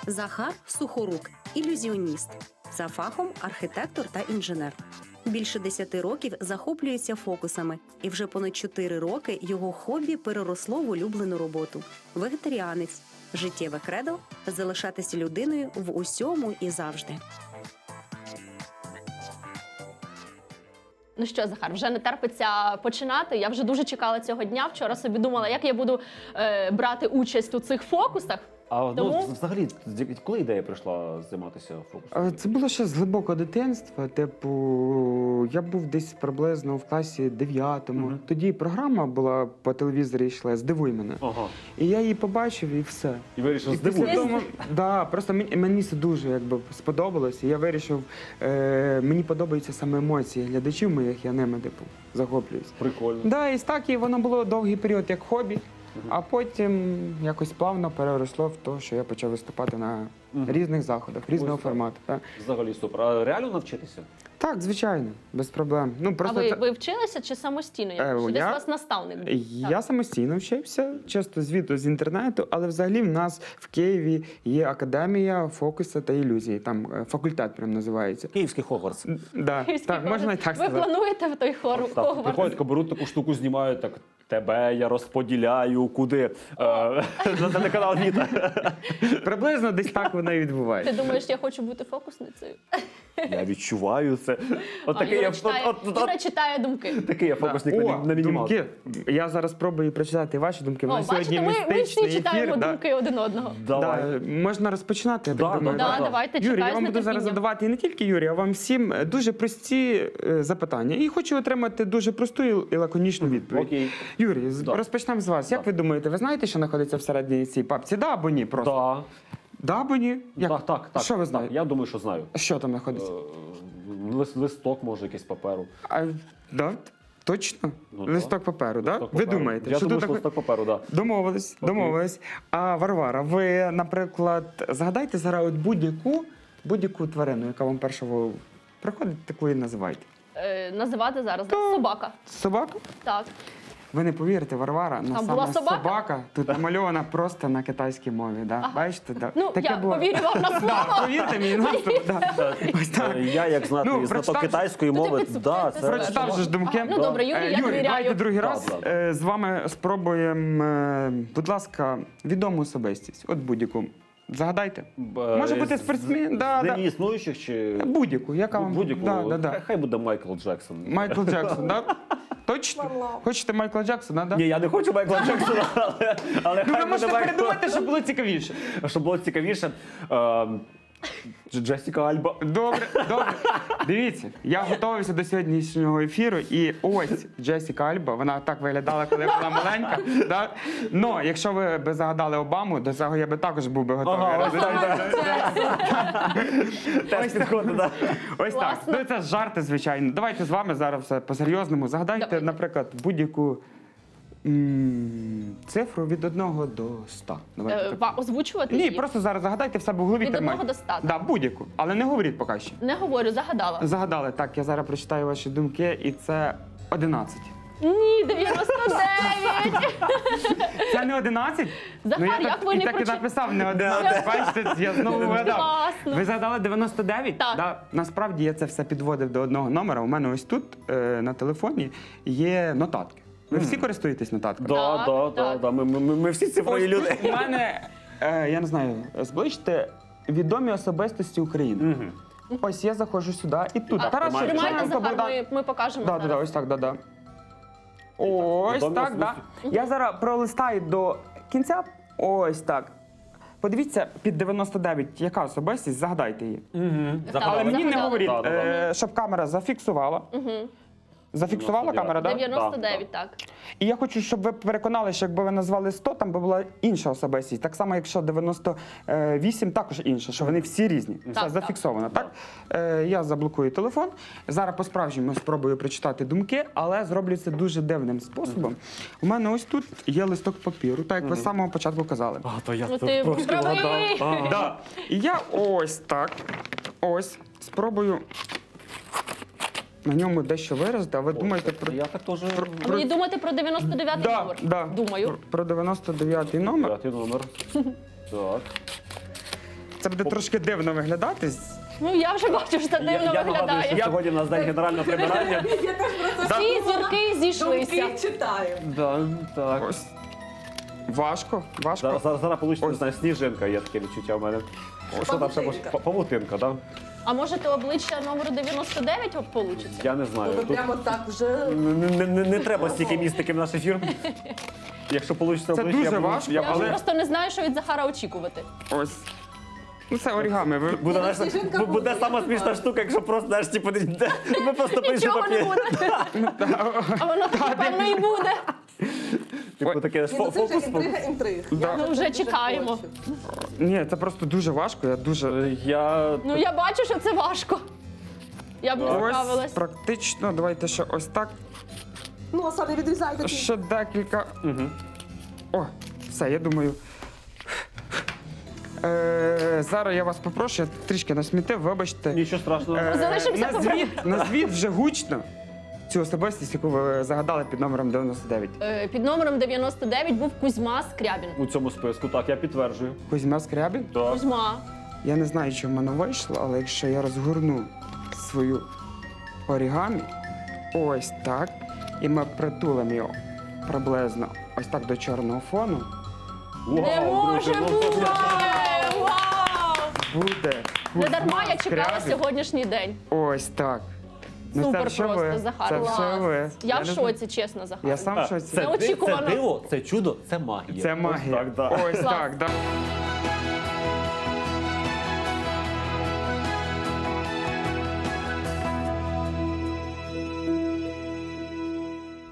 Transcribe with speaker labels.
Speaker 1: Захар Сухорук – ілюзіоніст. За фахом архітектор та інженер. Більше 10 років захоплюється фокусами, і вже понад 4 роки його хобі переросло в улюблену роботу. Вегетаріанець. Життєве кредо – залишатися людиною в усьому і завжди.
Speaker 2: Ну що, Захар, вже не терпиться починати. Я вже дуже чекала цього дня. Вчора собі думала, як я буду брати участь у цих фокусах.
Speaker 3: А
Speaker 2: Тому-
Speaker 3: взагалі, коли ідея прийшла займатися фокусом?
Speaker 4: Це було ще з глибокого дитинства. Типу, я був десь приблизно в класі 9-му.
Speaker 3: Мгм.
Speaker 4: Тоді програма була по телевізорі йшла «Здивуй мене».
Speaker 3: Ага.
Speaker 4: І я її побачив, і все.
Speaker 3: І вирішив
Speaker 4: І після
Speaker 3: здивувати.
Speaker 4: того, да, просто мені це дуже сподобалось. І я вирішив, мені подобаються саме емоції глядачів моїх, я ними захоплююсь.
Speaker 3: Прикольно.
Speaker 4: Да, і так, і воно було довгий період як хобі, а потім якось плавно переросло в те, що я почав виступати на різних заходах, різного
Speaker 3: Ось так.
Speaker 4: формату. Так.
Speaker 3: Взагалі супер. А реально навчитися?
Speaker 4: Так, звичайно, без проблем. Ну,
Speaker 2: А
Speaker 4: просто
Speaker 2: ви вчилися чи самостійно? Чи десь у вас наставник був?
Speaker 4: я самостійно вчився, часто звідти з інтернету, але взагалі в нас в Києві є академія фокусу та ілюзії. Там факультет прям називається.
Speaker 3: Київський Хогвартс.
Speaker 4: Да, так, можна і так
Speaker 2: Ви
Speaker 4: сказати.
Speaker 2: плануєте в той
Speaker 3: Так,
Speaker 2: Хогвартс?
Speaker 3: приходять, беруть таку штуку, знімають, так, тебе я розподіляю, куди? На телеканал Віта.
Speaker 4: Приблизно десь так воно і
Speaker 2: Ти
Speaker 4: відбувається.
Speaker 2: думаєш, я хочу бути фокусницею?
Speaker 3: Я відчуваю це. От
Speaker 2: А,
Speaker 3: такий
Speaker 2: Юра
Speaker 3: я
Speaker 2: читає, Юра читає думки.
Speaker 3: такий я фокусник
Speaker 4: О,
Speaker 3: на мінімалку.
Speaker 4: думки. Я зараз спробую прочитати ваші думки. У
Speaker 2: О,
Speaker 4: нас сьогодні
Speaker 2: бачите, ми всі
Speaker 4: містичний
Speaker 2: читаємо
Speaker 4: ефір.
Speaker 2: думки один одного.
Speaker 3: Давай.
Speaker 4: Да, можна розпочинати, я
Speaker 3: Да,
Speaker 4: так думаю.
Speaker 3: да,
Speaker 2: Да,
Speaker 3: да.
Speaker 2: давайте,
Speaker 4: Юрій,
Speaker 2: чекаю
Speaker 4: я вам
Speaker 2: з
Speaker 4: буду зараз
Speaker 2: нетерпінням.
Speaker 4: задавати і не тільки Юрію, а вам всім дуже прості запитання. І хочу отримати дуже просту і лаконічну відповідь.
Speaker 3: Окей.
Speaker 4: Юрій,
Speaker 3: Да.
Speaker 4: розпочнемо з вас. Як
Speaker 3: Да.
Speaker 4: ви думаєте, ви знаєте, що знаходиться всередині цієї папці? Да або ні? Просто.
Speaker 3: Да.
Speaker 4: Да або ні? Як?
Speaker 3: Так.
Speaker 4: Що ви
Speaker 3: Так,
Speaker 4: знаєте?
Speaker 3: я думаю, що знаю.
Speaker 4: Що там знаходиться?
Speaker 3: Листок, може, якийсь паперу.
Speaker 4: Да? Точно?
Speaker 3: Ну,
Speaker 4: Листок паперу, да?
Speaker 3: Листок
Speaker 4: Ви
Speaker 3: паперу.
Speaker 4: думаєте,
Speaker 3: Я
Speaker 4: що
Speaker 3: думаю,
Speaker 4: тут
Speaker 3: що
Speaker 4: таке?
Speaker 3: листок паперу, так.
Speaker 4: Домовились,
Speaker 3: Окей.
Speaker 4: домовились. А Варвара, ви, наприклад, згадайте зараз от будь-яку тварину, яка вам перша в голову приходить, таку і називайте.
Speaker 2: Називати зараз собака.
Speaker 4: Собака?
Speaker 2: Так.
Speaker 4: Ви не повірите, Варвара,
Speaker 2: Там була собака?
Speaker 4: тут намальована просто на китайській мові. Да?
Speaker 2: Ага.
Speaker 4: Бачите? Да.
Speaker 2: Ну, я повірю вам на
Speaker 4: Да,
Speaker 2: слово.
Speaker 4: повірте мені, наступ, да. Ось так.
Speaker 3: Я, як знати,
Speaker 4: Ну,
Speaker 3: знаток
Speaker 4: прочитав-
Speaker 3: китайської
Speaker 2: Ну, ти
Speaker 3: мови,
Speaker 2: підсу-
Speaker 3: да,
Speaker 2: ти
Speaker 3: це...
Speaker 4: Прочитав же ж думки.
Speaker 2: Ага, ну, добре, Юрій, я
Speaker 4: Юрій,
Speaker 2: довіряю.
Speaker 4: давайте другий раз
Speaker 3: Да.
Speaker 4: з вами спробуємо, будь ласка, відому особистість. От будь-яку. Загадайте. Може бути спортсмен, да,
Speaker 3: З
Speaker 4: да.
Speaker 3: нині існуючих чи...
Speaker 4: Будь-яку, яка вам...
Speaker 3: Будь-яку.
Speaker 4: Да, да.
Speaker 3: Хай буде Майкл Джексон.
Speaker 4: Майкл Джексон, да? Точно? Хочете Майкла Джексона, да?
Speaker 3: Ні, я не хочу Майкла Джексона, але
Speaker 4: Ну, ви
Speaker 3: хай буде
Speaker 4: можете
Speaker 3: Майкл.
Speaker 4: передумати, щоб було цікавіше.
Speaker 3: Щоб було цікавіше. Джесіка Альба.
Speaker 4: Добре, добре. Дивіться, я готувався до сьогоднішнього ефіру, і ось Джесіка Альба, вона так виглядала, коли була маленька. Да? Но якщо ви б загадали Обаму, до цього я би також був би готовий.
Speaker 3: Ага, ось
Speaker 4: Розумієте?
Speaker 3: Теж підходить, так.
Speaker 4: Ось так.
Speaker 2: Класно.
Speaker 4: Ну це жарти, звичайно. Давайте з вами зараз все по-серйозному. Загадайте,
Speaker 2: Давайте.
Speaker 4: наприклад, будь-яку цифру від 1 до 100. Давайте так.
Speaker 2: Озвучувати
Speaker 4: Ні,
Speaker 2: її?
Speaker 4: просто зараз загадайте в себе в голові.
Speaker 2: Від
Speaker 4: тримайте.
Speaker 2: 1 до 100,
Speaker 4: Да, будь-яку. Але не говоріть поки що.
Speaker 2: Не говорю, загадала.
Speaker 4: Загадали. Так, я зараз прочитаю ваші думки, і це 11.
Speaker 2: Ні, 99!
Speaker 4: Це не 11?
Speaker 2: Захар,
Speaker 4: я
Speaker 2: як
Speaker 4: так,
Speaker 2: ви
Speaker 4: і
Speaker 2: не
Speaker 4: так і
Speaker 2: прочитали?
Speaker 4: написав, не 11. Бачите, я знову вгадав.
Speaker 2: Класно.
Speaker 4: Ви загадали 99?
Speaker 2: Так.
Speaker 4: Да. Насправді я це все підводив до одного номера. У мене ось тут на телефоні є нотатки. Ви всі користуєтесь нотатками?
Speaker 2: Так.
Speaker 3: Ми всі цифрові
Speaker 4: Ось
Speaker 3: люди.
Speaker 4: тут у мене, я не знаю, зближте відомі особистості України. Ось я заходжу сюди і тут.
Speaker 2: А,
Speaker 4: Тарас
Speaker 3: тримайте,
Speaker 2: Тримайте,
Speaker 4: Шевченко,
Speaker 2: Захар,
Speaker 4: Богдан.
Speaker 2: ми покажемо
Speaker 4: Да,
Speaker 2: зараз.
Speaker 4: ось так, да. Ось
Speaker 3: Відомі
Speaker 4: так, да. Я зараз пролистаю до кінця. Ось так. Подивіться, під 99, яка особистість, загадайте її.
Speaker 2: Так,
Speaker 4: Але мені не
Speaker 2: загадали.
Speaker 4: говоріть,
Speaker 3: Да.
Speaker 4: щоб камера зафіксувала. Зафіксувала
Speaker 3: 99.
Speaker 4: камера, так? Да?
Speaker 2: 99, так.
Speaker 4: І я хочу, щоб ви переконали, що якби ви назвали 100, там би була інша особистість. Так само, якщо 98, також інша, що вони всі різні. Це
Speaker 2: Так,
Speaker 4: зафіксовано, так? Я заблокую телефон. Зараз по-справжньому спробую прочитати думки, але зроблю це дуже дивним способом. У мене ось тут є листок папіру, так як ви з самого початку казали.
Speaker 3: То я
Speaker 2: Ну, ти правий.
Speaker 4: Да. І я ось так, спробую на ньому дещо виразити, а ви думаєте про...
Speaker 3: Я так теж...
Speaker 2: А мені думати про 99 номер?
Speaker 4: Да.
Speaker 2: Думаю.
Speaker 4: Про 99-й номер.
Speaker 3: П'ятий номер. Так.
Speaker 4: Це буде трошки дивно виглядати.
Speaker 2: Ну я вже бачу, що це дивно
Speaker 3: Я нагадую,
Speaker 2: виглядає.
Speaker 3: що сьогодні в нас день генерального прибирання.
Speaker 2: Всі зірки зійшлися.
Speaker 5: читаю.
Speaker 3: Да, так.
Speaker 4: Ось. Важко, важко.
Speaker 3: Зараз вийде, не
Speaker 4: Ось.
Speaker 3: знаю, сніжинка, є таке відчуття в мене. Що там ще може? Павутинка, так?
Speaker 2: А може то обличчя номеру 99 получиться?
Speaker 3: Я не знаю.
Speaker 5: Ви
Speaker 3: Тут
Speaker 5: прямо так вже...
Speaker 3: не треба стільки містики в наш ефір. Якщо вийде
Speaker 4: Це
Speaker 3: обличчя,
Speaker 4: дуже
Speaker 3: я буду-
Speaker 4: важко,
Speaker 3: я
Speaker 2: Я вже
Speaker 3: буду-
Speaker 2: просто не знаю, що від Захара очікувати.
Speaker 4: Ось. Ну це орігами. Ви...
Speaker 3: Буде, знаєш,
Speaker 5: Сніжинка
Speaker 3: буде
Speaker 5: буде,
Speaker 3: сама
Speaker 5: я
Speaker 3: смішна
Speaker 5: знаю.
Speaker 3: штука, якщо просто, знаєш, типу, ми просто пишемо
Speaker 2: Нічого не буде. А воно напевно і буде.
Speaker 3: Типу таке
Speaker 5: Ні, ну це вже
Speaker 3: фокус.
Speaker 5: інтрига.
Speaker 4: Да.
Speaker 2: Ну, вже чекаємо.
Speaker 5: хочу.
Speaker 4: Ні, це просто дуже важко. Я дуже.
Speaker 3: Я
Speaker 2: Ну я бачу, що це важко. Я б не
Speaker 4: Ось
Speaker 2: справилась.
Speaker 4: практично. Давайте ще ось так.
Speaker 5: Ну, а саме відрізайте.
Speaker 4: Ще декілька. О, все, я думаю. Зараз я вас попрошу, я трішки насмітив, вибачте.
Speaker 3: нічого страшного.
Speaker 2: Залишимося
Speaker 4: Назвіть вже гучно цю особистість, яку ви загадали під номером 99.
Speaker 2: Під номером 99 був Кузьма Скрябін.
Speaker 3: У цьому списку, так, я підтверджую.
Speaker 4: Кузьма Скрябін?
Speaker 3: Так.
Speaker 2: Кузьма.
Speaker 4: Я не знаю, чи в мене вийшло, але якщо я розгорну свою орігамі, ось так, і ми притулимо його приблизно ось так до чорного фону,
Speaker 2: Не
Speaker 3: Вау,
Speaker 2: може
Speaker 3: друзі, ну,
Speaker 2: бути! Вау!
Speaker 4: буде
Speaker 2: Не дарма
Speaker 4: Кузьма
Speaker 2: я чекала
Speaker 4: Скрябін.
Speaker 2: сьогоднішній день.
Speaker 4: Ось так. Ну,
Speaker 2: Супер
Speaker 4: це все
Speaker 2: просто,
Speaker 4: ви.
Speaker 2: Захар.
Speaker 4: Це
Speaker 2: Клас.
Speaker 4: все ви.
Speaker 2: Я в
Speaker 4: не знаю.
Speaker 2: шоці, чесно, Захар.
Speaker 4: Я сам в шоці.
Speaker 2: Це- Неочікувано.
Speaker 3: Це диво, це чудо, це магія.
Speaker 4: Це магія.
Speaker 3: Ось так, да.
Speaker 4: Ось
Speaker 2: Клас.
Speaker 4: так, да.